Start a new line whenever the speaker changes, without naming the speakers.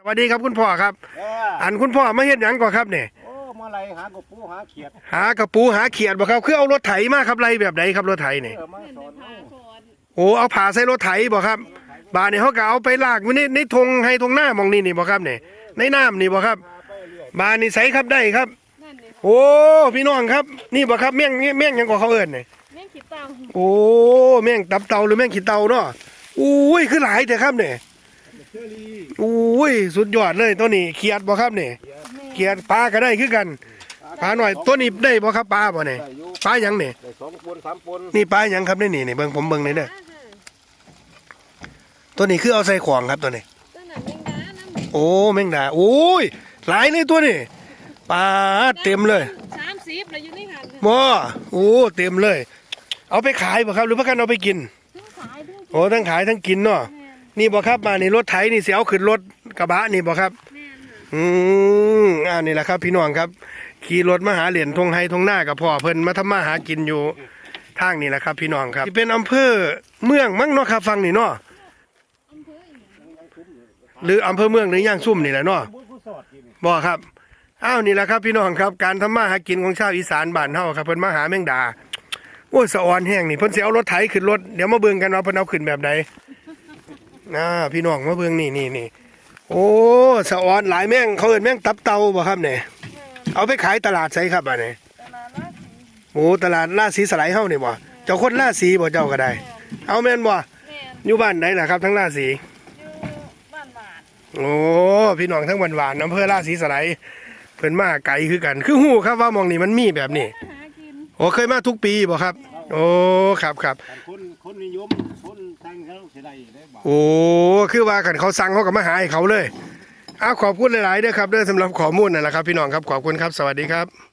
สวัสดีครับคุณพ่อครับอันคุณพ่อมาเฮ็ดหยังก่อนครับเนี่ย
โอ้มาไล่หากระปูหาเขียด
หากระปูหาเขียดบ่ครับคือเอารถไถมาครับไรแบบไหนครับรถไถเนี่ย
มาสอน
โอ้เอาผ่าใส่รถไถบ่ครับบาดนี่เขาก็เอาไปลากไว้ในทงให้ทงหน้ามองนี่บ่ครับเนี่ยในน้ำนี่บ่ครับบาดนี่ใส่ครับได้ครับโอ้พี่น้องครับนี่บ่ครับแม่งหยังกว่าเขาเอิ้นเนี่ย
แม่งขีดเต่า
โอ้แม่งตับเต่าหรือแม่งขี้เต่าเนาะอุ้ยคือหลายแต่ครับเนี่ยอุ้ยสุดยอดเลยตัวนี้เขียดบ่ครับเนี่ยเขียดปลาก็ได้คือกันปลาหน่อยตัวนี้ได้บ่ครับปลาบ่เนี่ยปลาหยังเนี่ย
2 ปน 3 ปน
นี่ปลาหยังครับนี่เบิ่งผมเบิ่งเลยเด้อตัวนี้คือเอาใส่ของครับตัวนี้โอ้แมงดาโอ้ยหลายเลยตัวนี้ปลาเต็มเลย
30เลยอยู่ในหัน
บ่โอ้เต็มเลยเอาไปขายบ่ครับหรือว่ากันเอาไปกินโอ้ทั้งขายทั้งกินเนาะนี่บ่ครับมานี่รถไถนี่เสียวขึ้นรถกระบะนี่บ่ครับนี่แหละครับพี่น้องครับขี่รถมาหาเหรียญทงไฮทงหน้ากับพ่อเพิ่นมาทำมาหากินอยู่ทางนี่แหละครับพี่น้องครับที่เป็นอำเภอเมืองมั้งเนาะครับฟังนี่เนาะหรืออำเภอเมืองหรือย่างซุ่มนี่แหละเนาะบ่ครับอ้าวนี่แหละครับพี่น้องครับการทำมาหากินของชาวอีสานบ้านเฮาครับเพิ่นมาหาแมงดาโอ้ยสะออนแห้งนี่เพิ่นสิเอารถไถขึ้นรถเดี๋ยวมาเบิ่งกันว่าเพิ่นเอาขึ้นแบบใดพี่น้องมาเบิ่งนี่โอ้สะออนหลายแมงเขาเอิ้นแมงตับเต่าบ่ครับเนี่ยเอาไปขายตลาดไสครับอันนี้โอ้ตลาดราศีสไลเฮานี่บ่เจ้าคนราศีบ่เจ้าก็ได้เอาแม่นบ่อยู่บ้านไหนล่ะครับทั้งราศี
บ้านหวาน
โอ้พี่น้องทั้งบ้านหวานอำเภอราศีสไลเพิ่นมาไกลคือกันคือฮู้ครับว่ามองนี่มันมีแบบนี้โอ้เคยมาทุกปีบ่ครับโอ้ครับ
คนนิยมคนตั้งเขาสิได้บ่
โอ้คือว่ากันเขาสั่งเขาก็มาหาให้เขาเลยขอบคุณหลายๆเด้อครับเด้อสำหรับข้อมูลนั่นแหละครับพี่น้องครับขอบคุณครับสวัสดีครับ